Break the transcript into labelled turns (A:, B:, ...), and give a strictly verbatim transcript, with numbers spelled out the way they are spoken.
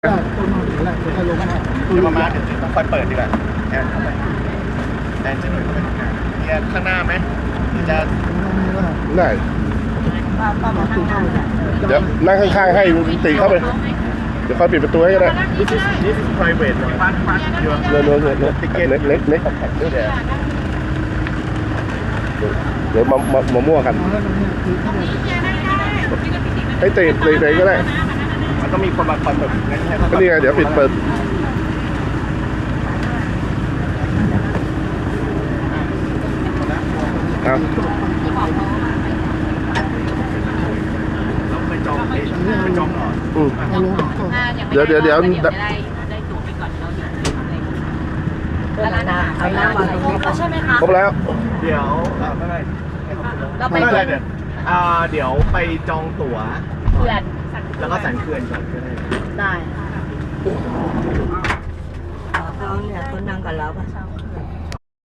A: ต้นนอนอยู่แล้วจะลงมาเดี๋ยวมามาเดี๋ยวต้องค่อยเปิดดีกว่าแอนเข้าไปแอนจะหน่อยเข้าไปทำงานเนี่ยข้างหน้าไหมจะ
B: ได้เดี๋ยวนั่งข้างๆให้ตีเข้าไปเดี๋ยวค่อยปิดประตูให้ก็ได้
A: This is this is private บ้านบ้านเยอะ
B: เนื้อเนื้อเนื้อเน็กเน็กเน็กเดี๋ยวมามามามั่วกันให้ตีตีตีก็ได้
A: มันต้องมีคนมาคอยเปิดงั้นใช่ไหม
B: ก็นี่ไงเดี๋ยวปิดเปิดเอา
A: ไปจองไปจองก่อน
B: อืมเดี๋ยวเดี๋ยวเดี๋ยว
C: ได้ได้ตั๋วไปก่อนเราเดี๋ยวแล้วนะเอาหน้ามาตรงนี้ใช่ไหมคะ
B: ครบแล้ว
A: เดี๋ยวไม่ไม่
C: เราไป
A: ไม่
C: เพื่
A: ไม่
C: อน
A: เดี๋ยวอ่าเดี๋ยวไปจองตั๋ว
C: เพื่อน
A: แล้วก็สันเขื่อนก่อนก็ได้
C: ได้
D: เขาเนี่ยเขานั่งกับเราป่ะ